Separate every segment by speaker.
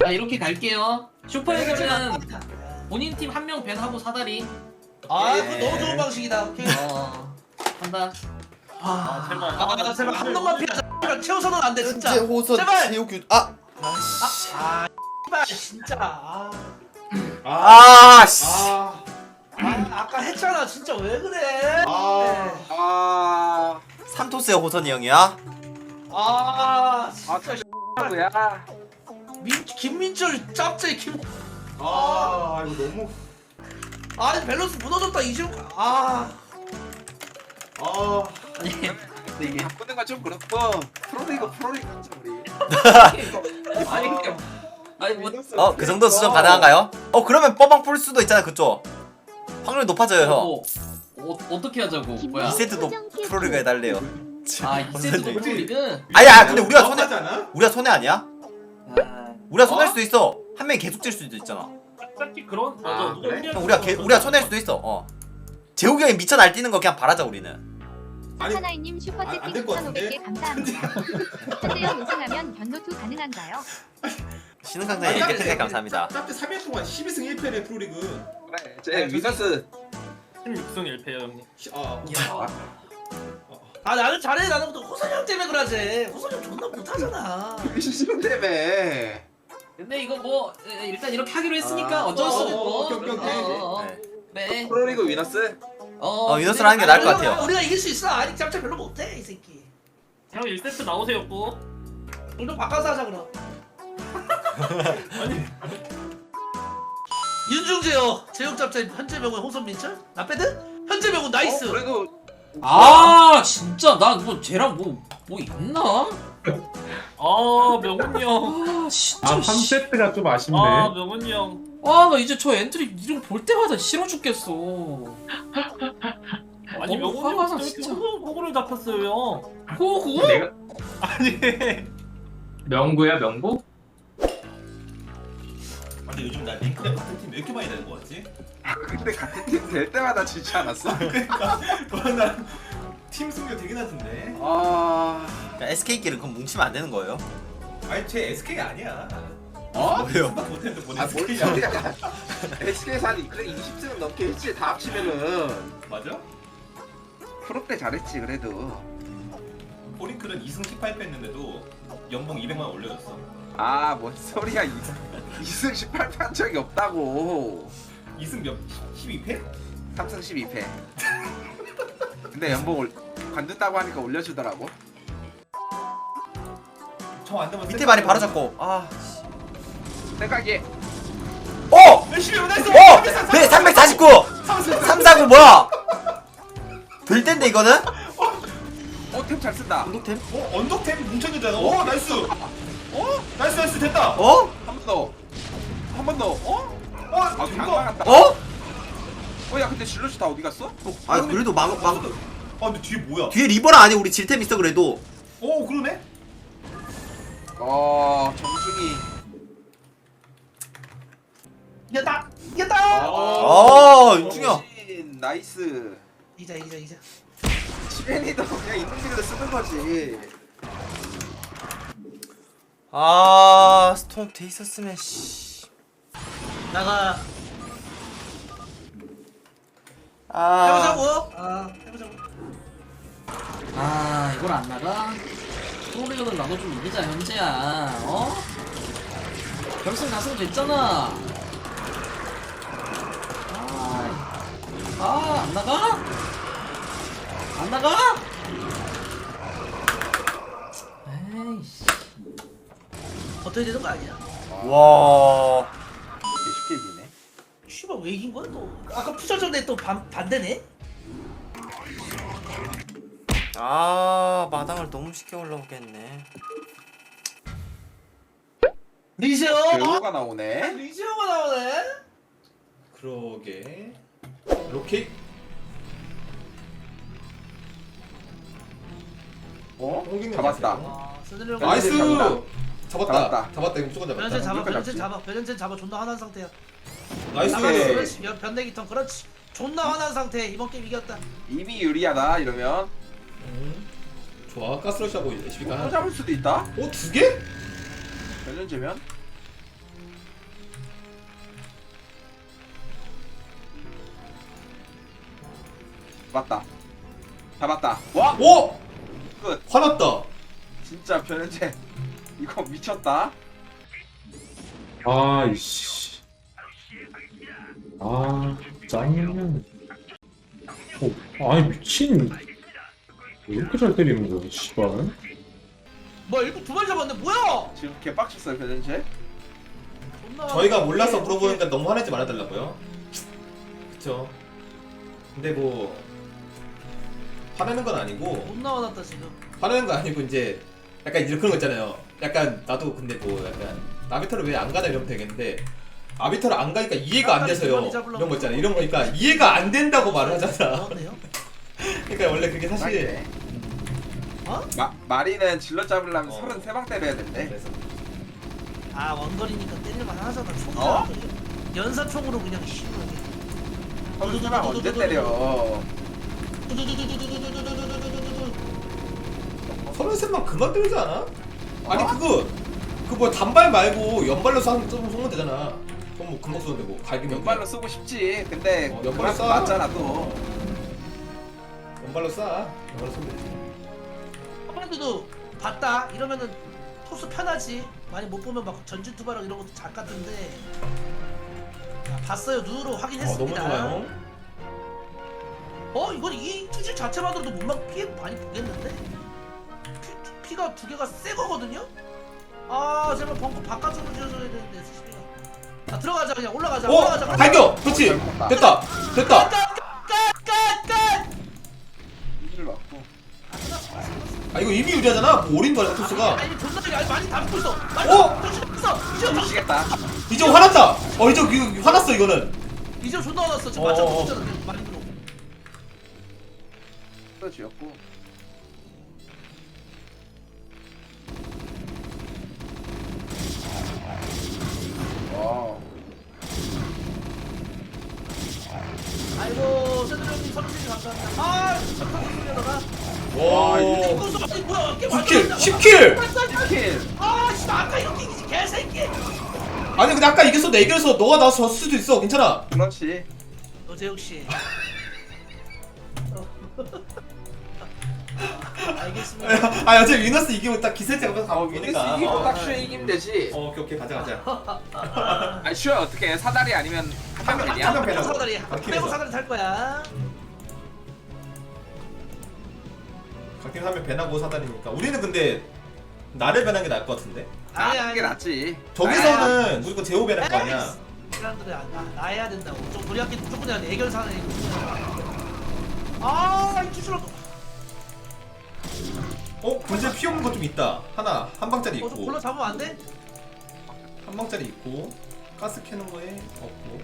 Speaker 1: 자 이렇게 갈게요. 슈퍼에서는 본인 팀 한 명 밴하고 사다리.
Speaker 2: 아 그거 너무 좋은 방식이다. 오케이.
Speaker 1: 한다.
Speaker 2: 아 제발 한 놈만 피하자. 제발 채워서는 안 돼 진짜.
Speaker 3: 현재 호선
Speaker 2: 제발.
Speaker 3: 제우규
Speaker 2: 씨발 진짜.
Speaker 3: 씨.
Speaker 2: 아까 했잖아 진짜 왜 그래?
Speaker 3: 삼토스의 호선이 형이야?
Speaker 2: 진짜
Speaker 4: 뭐야?
Speaker 2: 김민철 짭제 김.
Speaker 5: 이거 너무.
Speaker 2: 아니 밸런스 무너졌다 이지훈.
Speaker 1: 아니 근데 이게
Speaker 4: 바꾸는 건 좀 그렇고 프로리그 하자 우리.
Speaker 1: 아니 뭐
Speaker 3: 그 정도 수정 가능한가요? 그러면 뻐방 풀 수도 있잖아 그쪽. 확률이 높아져요 형.
Speaker 1: 어떻게 하자고 뭐야?
Speaker 3: 2세트도 프로리그 해달래요.
Speaker 1: 2세트도 프로리그?
Speaker 3: 아니야 근데 우리가 손해
Speaker 5: 잖아.
Speaker 3: 아니야? 우리가 손할 수도 있어. 한 명이 계속 질 수도 있잖아.
Speaker 1: 딱히 그런
Speaker 5: 맞아. 그래?
Speaker 3: 형, 우리가 손할 수도 있어. 재욱이 형이 미쳐 날뛰는 거 그냥 바라자 우리는.
Speaker 6: 하나이님 슈퍼채팅 2,500개 감사합니다. 현대형 우승하면 변노투 가능한가요?
Speaker 3: 신흥 강사님 이렇게 팬 감사합니다.
Speaker 5: 짭짭 3일 동안 12승 1패래 프로리그.
Speaker 4: 그래. 제 위너스
Speaker 1: 16승 1패요 형님.
Speaker 2: 나는 잘해. 나는 또 호선이 형 때문에 그러지. 호선이 형 존나 못하잖아.
Speaker 4: 미션 때문에.
Speaker 1: 근데 이거 뭐 일단 이렇게 하기로 했으니까 어쩔 수 없고.
Speaker 5: 오케이.
Speaker 3: 네.
Speaker 1: 네.
Speaker 4: 프로리그 위너스.
Speaker 3: 위너스를 하는 게 나을 것 같아요.
Speaker 2: 우리가 이길 수 있어. 아니 짭짤 별로 못해 이 새끼.
Speaker 1: 형 1세트 나오세요 또.
Speaker 2: 좀 바꿔서 하자 그럼. 윤중재요. 제육 짭짤 현재 명훈 호선 민철. 나 빼드? 현재 명훈 나이스.
Speaker 4: 그래도
Speaker 1: 진짜 나 뭐 쟤랑 뭐 있나? 명훈이 형. 진짜.
Speaker 7: 3세트가 좀 아쉽네.
Speaker 1: 명훈이 형. 나 이제 저 엔트리 이름 볼 때마다 싫어 죽겠어. 아니 명훈이 형 진짜 호구를 잡혔어요 형. 호구?
Speaker 7: 내가 아니 명구야 명구?
Speaker 5: 근데 요즘 나 링크랩 같은 팀 왜 이렇게 많이 되는 거 같지?
Speaker 4: 근데 같은 팀 될 때마다 지지 않았어?
Speaker 5: 그러니까 나팀 승률 되게 낮은데.
Speaker 3: 그러니까 SK끼리 그럼 뭉치면 안 되는 거예요?
Speaker 5: 아니 쟤 SK 아니야.
Speaker 3: 뭐예요?
Speaker 5: 못했는데 뭔
Speaker 4: 뭘
Speaker 5: SK야?
Speaker 4: 소리야? SK에서 한 그래 20승은 넘게 했지. 다 합치면은
Speaker 5: 맞아?
Speaker 4: 프로 때 잘했지 그래도.
Speaker 5: 포링클은 2승 18패 했는데도 연봉 200만 원 올려줬어.
Speaker 4: 뭔 소리야. 2승 18패 한 적이 없다고.
Speaker 5: 2승 몇? 12패?
Speaker 4: 3승 12패. 근데 연봉 관둔다고 하니까 올려주더라고.
Speaker 5: 저안 되면
Speaker 3: 밑에 많이 바로 잡고.
Speaker 4: 생각이.
Speaker 5: 열심히 나이스.
Speaker 3: 네 349. 349 뭐야? 될 텐데 이거는?
Speaker 4: 템 잘 쓴다.
Speaker 3: 운동템?
Speaker 5: 언덕템 뭉쳐있잖아. 나이스. 나이스 됐다.
Speaker 4: 한 번 더. 한 번 더. 강
Speaker 5: 이거.
Speaker 4: 막았다. 야 근데 질럿이 다 어디 갔어?
Speaker 3: 그래도
Speaker 5: 근데 뒤에 뭐야?
Speaker 3: 뒤에 리버랑 아니 우리 질템 있어 그래도.
Speaker 5: 그러네.
Speaker 4: 정준이.
Speaker 2: 이겼다.
Speaker 3: 윤중이 형.
Speaker 4: 나이스.
Speaker 2: 이자.
Speaker 4: 시벤이도 그냥 있는 길로 쓰는 거지.
Speaker 3: 스톰 돼 있었으면
Speaker 2: 나가. 해보자고. 해보자고.
Speaker 1: 이걸 안 나가? 프로리그는 나도 좀 이기자 현재야. 결승 가승 됐잖아. 안 나가? 안 나가? 에이씨.
Speaker 2: 어떻게 되는 거 아니야?
Speaker 3: 와.
Speaker 4: 쉽게 이기네.
Speaker 2: 씨발 왜 이긴 거야 또? 아까 푸셔전에 또 반대네?
Speaker 3: 마당을 너무 쉽게 올라오겠네.
Speaker 2: 리세요?
Speaker 4: 배우가 나오네.
Speaker 2: 리세요가 나오네?
Speaker 5: 그러게. 로켓.
Speaker 4: 잡았다.
Speaker 5: 나이스.
Speaker 4: 잡았다.
Speaker 5: 잡았다. 이거 무조건
Speaker 2: 변현재 잡아.
Speaker 4: 무조건
Speaker 2: 변현재
Speaker 4: 잡지.
Speaker 2: 잡아. 변현재 잡아. 존나 화난 상태야.
Speaker 5: 나이스.
Speaker 2: 그렇지. 변내기 턴 그렇지. 존나 화난 상태. 이번 게임 이겼다.
Speaker 4: 이미 유리하다 이러면.
Speaker 5: 좋아. 가스러시하고 SB가
Speaker 4: 또 잡을 수도 있다.
Speaker 5: 두 개?
Speaker 4: 몇 년째면? 잡았다. 잡았다. 와!
Speaker 3: 오!
Speaker 4: 끝.
Speaker 3: 화났다.
Speaker 4: 진짜 변현재 이거 미쳤다.
Speaker 7: 아이씨. 아, 짜증나. 아니, 미친. 왜 이렇게 잘 때리는 거야, 씨발.
Speaker 2: 뭐야 일곱 두 마리 잡았네 뭐야?
Speaker 4: 지금 개빡쳤어요 변현재.
Speaker 2: 존나
Speaker 3: 저희가 몰라서 물어보니까 너무 화내지 말아달라고요. 그쵸. 근데 뭐 화내는 건 아니고
Speaker 2: 존나 화났다 지금.
Speaker 3: 화내는 건 아니고 이제 약간 이런 그런 거 있잖아요. 약간 나도 근데 뭐 약간 아비터를 왜 안 가나 이러면 되겠는데 아비터를 안 가니까 이해가 안 돼서요. 이런 거 있잖아. 이런 거니까 이해가 안 된다고 말을 하잖아.
Speaker 2: 나왔네요.
Speaker 3: 그러니까 원래 그게 사실
Speaker 2: 어?
Speaker 4: 마리는 질러 잡으려면
Speaker 3: 어.
Speaker 4: 33방 때려야 된대.
Speaker 3: 그래서
Speaker 2: 아 원거리니까 때릴만 하잖아. 총이라.
Speaker 4: 어?
Speaker 2: 연사총으로 그냥 시원하게.
Speaker 4: 33방 언제 때려?
Speaker 3: 33만 그만 때리지 않아? 아니 그거 그 뭐 단발 말고 연발로 쏘면 되잖아. 그럼 뭐 금방 쏘는데 뭐 갈기면
Speaker 4: 연발로 쓰고 싶지. 근데
Speaker 3: 연발로
Speaker 4: 그만큼
Speaker 3: 쏴.
Speaker 4: 맞잖아 또.
Speaker 3: 연발로 쏴. 연발로 쏘면 되지.
Speaker 2: 아무래도 봤다 이러면은 토스 편하지. 많이 못 보면 막 전진 투바랑 이런 것도 작 같은데. 자, 봤어요. 눈으로
Speaker 3: 너무
Speaker 2: 확인했습니다.
Speaker 3: 좋아요.
Speaker 2: 이건 이 투질 자체만으로도 몸만 피해 많이 보겠는데? 피가 두 개가 새 거거든요? 아 제발 벙커 바깥으로 지어줘야 되는데 SCP가. 자 들어가자 그냥 올라가자. 올라가자.
Speaker 3: 발견! 그렇지! 됐다! 됐다!
Speaker 2: 끝!
Speaker 4: 이를 맞고.
Speaker 3: 아 이거 이미 유리하잖아. 뭐 올인 거야 토스가.
Speaker 2: 아니 존나 많이 담고 있어. 많이
Speaker 3: 어?
Speaker 2: 담고 있어. 이제
Speaker 4: 미치겠다.
Speaker 3: 이제 화났다. 이제 이거 화났어 이거는.
Speaker 2: 이제 존나 화났어. 지금
Speaker 3: 어,
Speaker 2: 맞춰
Speaker 3: 어.
Speaker 2: 붙잖아. 많이 들어.
Speaker 4: 또 쥐었고. 와.
Speaker 2: 아이고 세들 형님 선생님 감사합니다. 아 잠깐 소리하다가.
Speaker 3: 와
Speaker 2: 이거 써. 아니 뭐야 이게
Speaker 3: 10킬! 10킬!
Speaker 4: 10킬.
Speaker 2: 아 진짜 아까 이렇게 이기지 개새끼.
Speaker 3: 아니 근데 아까 이겼어. 내 이겨서 너가 나서 졌을 수도 있어. 괜찮아.
Speaker 4: 그렇지.
Speaker 2: 노재욱 씨. 알겠습니다.
Speaker 3: 아 어차피 위너스 이기면 딱 기세제가 가면
Speaker 4: 위너스
Speaker 3: 이기니까.
Speaker 4: 이기고 딱 슈에 이기면 되지.
Speaker 3: 오케이 가자.
Speaker 4: 아니 슈에 어떻게 해? 사다리 아니면 한명
Speaker 3: 한
Speaker 4: 되냐?
Speaker 3: 명 빼라고.
Speaker 2: 사다리
Speaker 3: 바퀴에서.
Speaker 2: 빼고 사다리 탈 거야.
Speaker 3: 각팀 하면 배나고 사다리니까. 우리는 근데 나를 배는 게 나을 것 같은데.
Speaker 4: 그게 낫지.
Speaker 3: 저기서는 무조건 제호 배날 거 아니야.
Speaker 2: 사람들이 나 해야 된다고. 좀 우리한테 무조건 해야 돼. 애결 사나이. 아, 이 주술로.
Speaker 3: 근데 피 없는 거 좀 있다. 하나 한 방짜리
Speaker 2: 좀
Speaker 3: 있고
Speaker 2: 골라 잡으면 안 돼?
Speaker 3: 한 방짜리 있고 가스 캐는 거에 없고.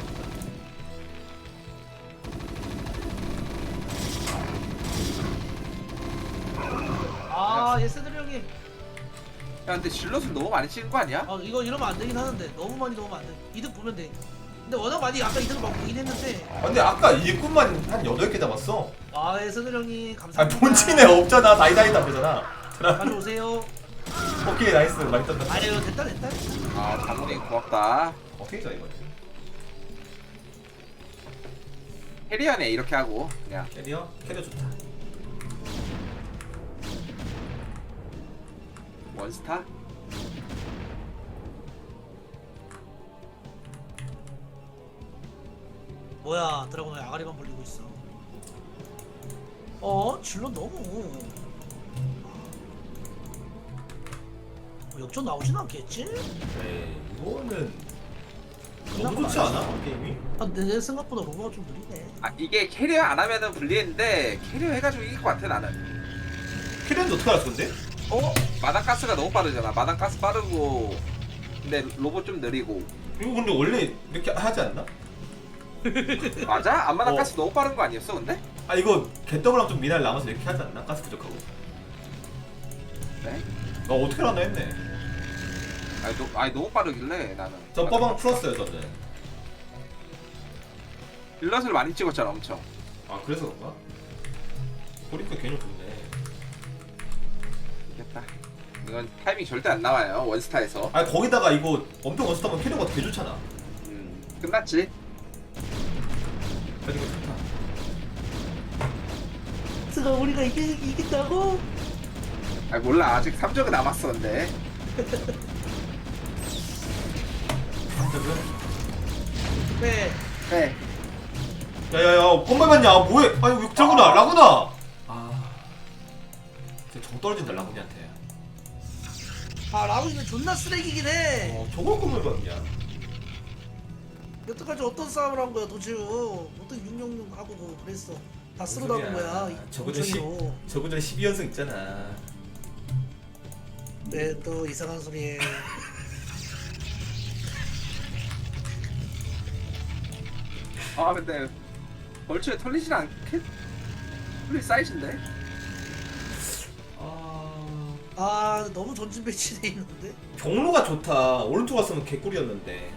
Speaker 2: 아, 예스들 형이.
Speaker 4: 야 근데 질럿을 너무 많이 찍은 거 아니야?
Speaker 2: 이거 이러면 안 되긴 하는데 너무 많이 넣으면 안 돼. 이득 보면 돼. 근데 워낙 많이 아까 이득을 막 보긴 했는데.
Speaker 3: 근데 아까 일꾼만 한 8개 잡았어.
Speaker 2: 아, 예스들 형이
Speaker 3: 아
Speaker 2: 감사합니다.
Speaker 3: 본진에 없잖아. 다이다이다 보잖아.
Speaker 2: 가져오세요.
Speaker 3: 오케이 나이스. 많이 떴다.
Speaker 2: 아유, 됐다.
Speaker 4: 아 장군이 고맙다.
Speaker 3: 오케이 자 이거.
Speaker 4: 캐리어네 이렇게 하고 그냥.
Speaker 3: 캐리어 좋다.
Speaker 4: 원스타?
Speaker 2: 뭐야, 드라곤 왜 아가리만 벌리고 있어? 질러 너무. 역전 나오진 않겠지?
Speaker 3: 네 이거는 너무 좋지 않아 게임이?
Speaker 2: 내 생각보다 로버가 좀 느리네.
Speaker 4: 아 이게 캐리어 안 하면은 불리했는데 캐리어 해가지고 이길 것 같아 나는.
Speaker 3: 캐리어는 어떻게 알았어 근데?
Speaker 4: 마당 가스가 너무 빠르잖아. 마당 가스 빠르고 근데 로봇 좀 느리고.
Speaker 3: 이거 근데 원래 이렇게 하지 않나?
Speaker 4: 맞아? 앞마당
Speaker 3: 어.
Speaker 4: 가스 너무 빠른 거 아니었어 근데?
Speaker 3: 아 이거 개더블랑 좀 미날 남아서 이렇게 하지 않나? 가스 부족하고.
Speaker 4: 네?
Speaker 3: 어떻게 알았나 했네.
Speaker 4: 아니 너무 빠르길래 나는.
Speaker 3: 저 빠방 풀었어요 저는.
Speaker 4: 빌럿을 많이 찍었잖아 엄청.
Speaker 3: 아 그래서 그런가? 보니까 개념 좋네.
Speaker 4: 이겼다. 이건 타이밍 절대 안 나와요 원스타에서.
Speaker 3: 아 거기다가 이거 엄청 원스타면 캐리어가 개 좋잖아.
Speaker 4: 끝났지.
Speaker 3: 그러니까 좋다.
Speaker 2: 게스트가 우리가 이긴다고?
Speaker 4: 아 몰라 아직 3적은 남았어 근데.
Speaker 2: 네.
Speaker 4: 네.
Speaker 3: 야야야 뻔만 맞냐 뭐해 아니 왜 저구나 라구나 아 진짜 정 떨어진다 라구니한테
Speaker 2: 아 라우이는 존나 쓰레기긴 해.
Speaker 3: 저걸 뻔만 봤냐
Speaker 2: 여태까지 어떤 싸움을 한 거야 도대체? 어떤 666 하고 뭐 그랬어. 다 쓸어 담은 거야.
Speaker 3: 저거전 12연승 있잖아
Speaker 2: 네, 또 이상한 소리에.
Speaker 4: 아 근데 벌초에 털리진 않겠? 털릴 사이즈인데?
Speaker 2: 아 너무 전진 배치돼 있는데.
Speaker 3: 경로가 좋다 오른쪽 갔으면 개꿀이었는데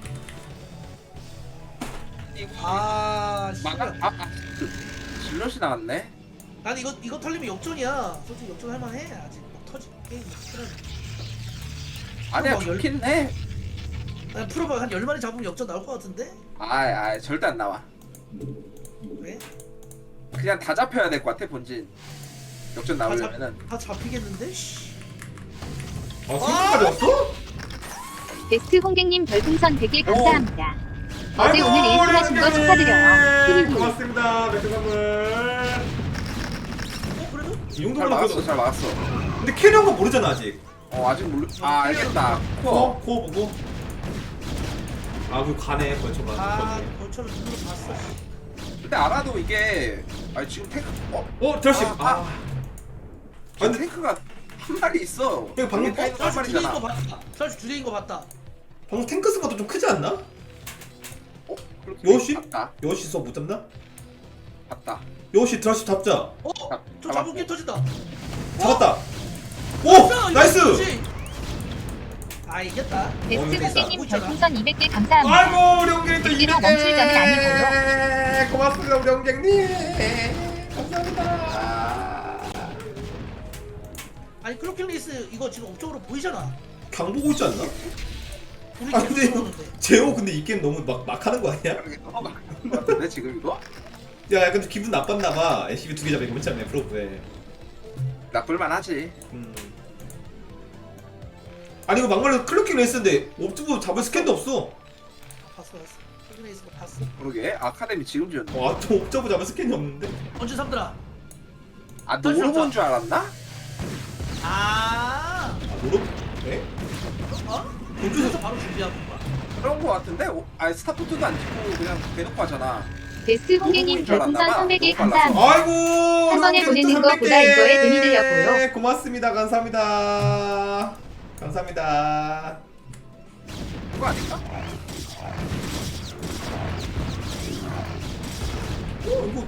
Speaker 2: 아
Speaker 4: 막아?
Speaker 2: 씨발.
Speaker 4: 질럿이 나왔네?
Speaker 2: 난 이거 털리면 역전이야. 솔직히 역전 할만해. 아직 막 터지 게임 틀어.
Speaker 4: 아니야
Speaker 2: 막 열-
Speaker 4: 좋긴 해.
Speaker 2: 아니 프로가 한 10마리 잡으면 역전 나올 것 같은데?
Speaker 4: 아 절대 안 나와.
Speaker 2: 왜?
Speaker 4: 그냥 다 잡혀야 될 것 같아 본진. 역전 나오려면은.
Speaker 2: 다 잡히겠는데? 씨.
Speaker 3: 아 승부까지 왔어?
Speaker 6: 베스트 홍객님 별풍선 100개 감사합니다. 어제
Speaker 3: 아이고,
Speaker 6: 오늘 일승하신 거 축하드려요. 히히히.
Speaker 3: 고맙습니다 맥주 선물
Speaker 2: 그래도?
Speaker 3: 이
Speaker 4: 잘
Speaker 3: 정도면
Speaker 4: 막았어
Speaker 3: 그래도
Speaker 4: 잘 막았어.
Speaker 3: 근데 캐리어인 거 모르잖아 아직
Speaker 4: 아직 모르. 아 알겠다. 코어.
Speaker 3: 코어 보고 그 가네 벌초가
Speaker 2: 아 벌처를 눈으로 봤어.
Speaker 4: 근데 알아도 이게 지금 탱크
Speaker 3: 드러시
Speaker 4: 지금 탱크가 한 마리 있어.
Speaker 3: 이거 방금
Speaker 4: 탱크 한
Speaker 2: 설치 두 개인 거
Speaker 4: 마리잖아.
Speaker 2: 봤다. 설치 두 개인 거 봤다.
Speaker 3: 방금 탱크 쓴 것도 좀 크지 않나?
Speaker 4: 그렇게
Speaker 3: 요시?
Speaker 4: 봤다.
Speaker 3: 요시 써 못 잡나?
Speaker 4: 봤다.
Speaker 3: 요시 드러시 잡자
Speaker 2: 저 잡은 게 터진다.
Speaker 3: 잡았다 오!
Speaker 2: 이거
Speaker 3: 나이스!
Speaker 2: 그렇지. 아 이겼다.
Speaker 6: 베스트
Speaker 3: 이거
Speaker 6: 홍객님
Speaker 2: 있잖아.
Speaker 6: 별풍선 200개 감사합니다.
Speaker 3: 아이고 우리 형님 또
Speaker 6: 100개로 멈출 자는
Speaker 3: 아니고요 고맙습니다 우리 형님 감사합니다
Speaker 2: 아니 클로킹 레이스 이거 지금 업적으로 보이잖아.
Speaker 3: 강 보고 있지 않나?
Speaker 2: 우리
Speaker 3: 아
Speaker 2: 계속
Speaker 3: 근데
Speaker 2: 들어오는데.
Speaker 3: 제호 근데 이 게임 너무 막 하는 거 아니야?
Speaker 4: 같은데 지금 이거?
Speaker 3: 야 근데 기분 나빴나봐 SCB 2개 잡으니까 그렇지 않네 프로브에
Speaker 4: 나쁠만 하지.
Speaker 3: 아니 이거 막말로 클로킹 레이스인데 옵티브 잡을 스캔도 없어
Speaker 2: 봤어. 클로킹 레이스 거 봤어.
Speaker 4: 그러게 아카데미 지금 지었네.
Speaker 3: 와또 옵저브 잡을 스캔이 없는데?
Speaker 2: 언제 삼들아?
Speaker 4: 아 노로본 줄 알았나?
Speaker 2: 아.
Speaker 3: 노로? 네?
Speaker 2: 어? 본주에서 바로 준비하고 거야.
Speaker 4: 그런 거 같은데? 스타포트도 안 찍고 그냥 대놓고 하잖아.
Speaker 6: 베스트 홍객님 별풍선 300개
Speaker 4: 너무 빨라서.
Speaker 6: 감사합니다.
Speaker 3: 아이고
Speaker 6: 한 번에
Speaker 3: 우리
Speaker 6: 보내는
Speaker 3: 또
Speaker 6: 것보다
Speaker 3: 300개.
Speaker 6: 이거에 돈이 들렸고요.
Speaker 3: 고맙습니다 감사합니다 감사합니다
Speaker 4: 그거 아닐까?
Speaker 3: 이거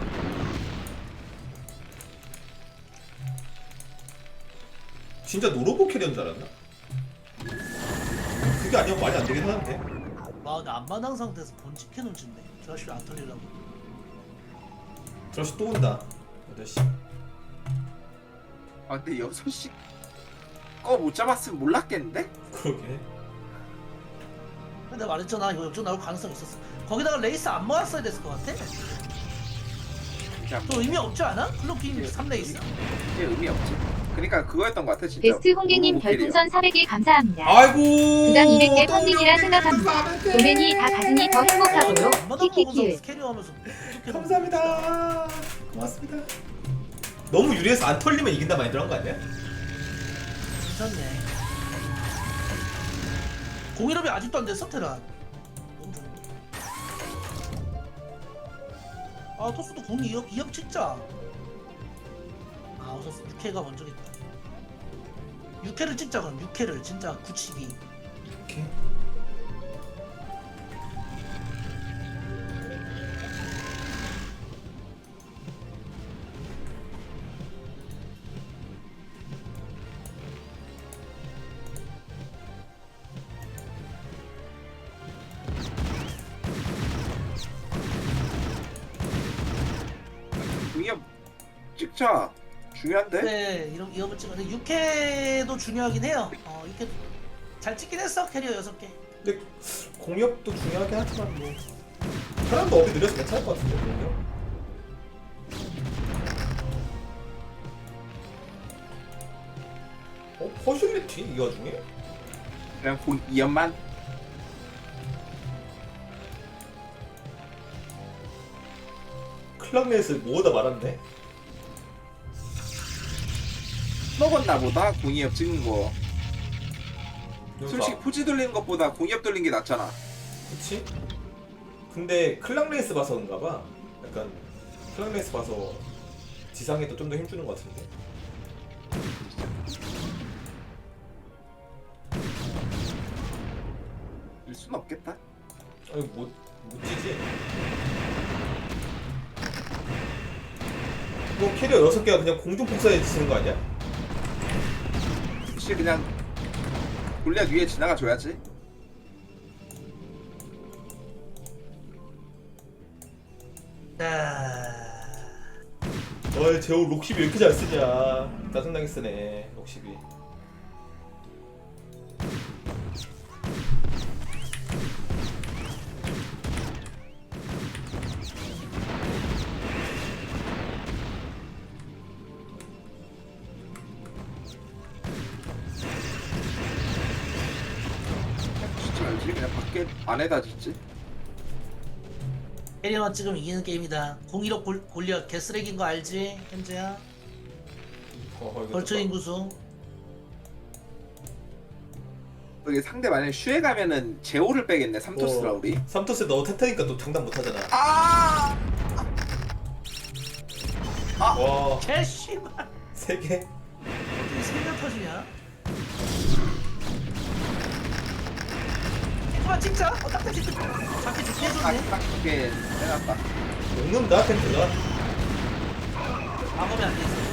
Speaker 3: 진짜 노로보 캐리어인 줄 알았나? 그게 아니면 말이 안 되긴 하는데
Speaker 2: 아 근데 안마당 상태에서 본집 캐논 짓네. 저씨 안 털리려고.
Speaker 3: 저씨 또 온다 8시
Speaker 4: 아 근데 6시 거 못 잡았으면 몰랐겠는데?
Speaker 3: 그러게
Speaker 2: 근데 내가 말했잖아 이거 역전 나올 가능성이 있었어. 거기다가 레이스 안 모았어야 됐을 것 같아.
Speaker 4: 진짜
Speaker 2: 또 의미 없지 않아? 클로킹 3레이스.
Speaker 4: 이게 의미 없지. 그러니까 그거였던 것 같아 진짜.
Speaker 6: 베스트 홍객님
Speaker 4: 노로본 캐리어.
Speaker 6: 별풍선 400개 감사합니다.
Speaker 3: 아이고
Speaker 6: 그간 200개
Speaker 3: 또
Speaker 6: 펀딩이라
Speaker 3: 우리
Speaker 6: 생각합니다.
Speaker 3: 형님
Speaker 6: 도맨이 다 가슴이 더 행복하고요.
Speaker 2: 안마당
Speaker 6: 키키키.
Speaker 2: 먹으면서 캐리어하면서
Speaker 3: 감사합니다 고맙습니다 너무 유리해서 안 털리면 이긴다 많이 들어간 거 아니야?
Speaker 2: 괜찮네. 공일업이 아직도 안 됐어 테란. 너무 좋은데. 아 토스도 공 2업 찍자. 아 우선 6회가 먼저겠다. 6회를 찍자 그럼 6회를 진짜 굳히기.
Speaker 3: 오케이
Speaker 4: 이게 찍자. 중요한데?
Speaker 2: 네 이런 2업을 찍었는데 6회도 중요하긴 해요. 6회 잘 찍긴 했어 캐리어 6개.
Speaker 3: 근데 공격도 중요하긴 하지만 뭐 사람도 업이 느려서 괜찮을 것 같은데 공격 퍼슐리티 이 와중에?
Speaker 4: 그냥 공 2연만.
Speaker 3: 클락넷을 뭐다 말았네?
Speaker 4: 먹었나 보다 공이업 찍은 거.
Speaker 3: 여기서
Speaker 4: 솔직히 포지 돌리는 것보다 공이업 돌린 게 낫잖아.
Speaker 3: 그치? 근데 클락레이스 봐서 그런가봐. 약간 클락레이스 봐서 지상에도 좀 더 힘주는 것 같은데.
Speaker 4: 일 순 없겠다.
Speaker 3: 아니 못 찌지. 이거 캐리어 6개가 그냥 공중 폭사에 치는 거 아니야?
Speaker 4: 혹시 그냥 골리앗 위에 지나가 줘야지.
Speaker 2: 자,
Speaker 3: 어이 제호 록십이 왜 이렇게 잘 쓰냐. 짜증나게 쓰네 록십이.
Speaker 4: 짓지 말지. 그냥 밖에 안에다 짓지.
Speaker 2: 캐리어만 찍으면 이기는 게임이다. 015 골리앗 개쓰레기인 거 알지? 현재야.
Speaker 3: 이거
Speaker 2: 벌초
Speaker 3: 또
Speaker 2: 인구수.
Speaker 4: 여기 상대 만약에 슈에 가면은 제오를 빼겠네. 삼토스라 우리.
Speaker 3: 삼토스 너 탔다니까 또 장담 못하잖아.
Speaker 4: 아!
Speaker 3: 와
Speaker 2: 개씨발.
Speaker 3: 3개?
Speaker 2: 어떻게 세명 터지냐? 그만 찍자. 딱딱 찍자. 잡기 좋게 해줬네.
Speaker 4: 딱 두개 빼놨다.
Speaker 3: 녹는다 탱크가.
Speaker 2: 막으면 안 돼 있어.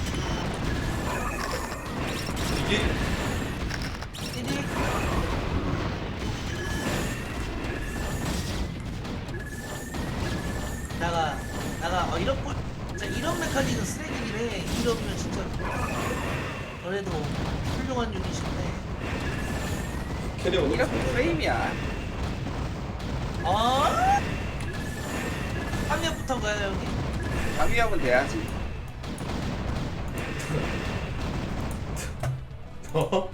Speaker 3: 이게
Speaker 2: 띠디. 나가 이런 꼴 진짜 이런 메카닉은 쓰레기긴 해. 이러면 진짜 그래도 훌륭한 유닛인데.
Speaker 3: 캐리어
Speaker 4: 이게 프레임이야.
Speaker 2: 아? 한 명부터 가요 여기.
Speaker 4: 장위협은 돼야지.
Speaker 3: 어?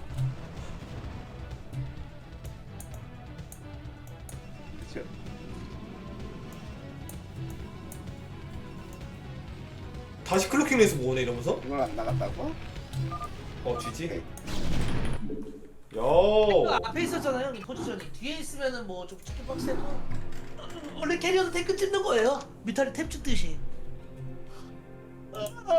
Speaker 4: 그쵸?
Speaker 3: 다시 클로킹 레이스 모으네 이러면서?
Speaker 4: 이걸 안 나갔다고?
Speaker 3: 쥐지?
Speaker 2: 그
Speaker 3: 야.
Speaker 2: 앞에 있었잖아요 이 포지션이. 뒤에 있으면은 뭐 좀 치킨 박스에도 원래 캐리어도 탱크 찍는 거예요. 뮤탈이 탭 찍듯이.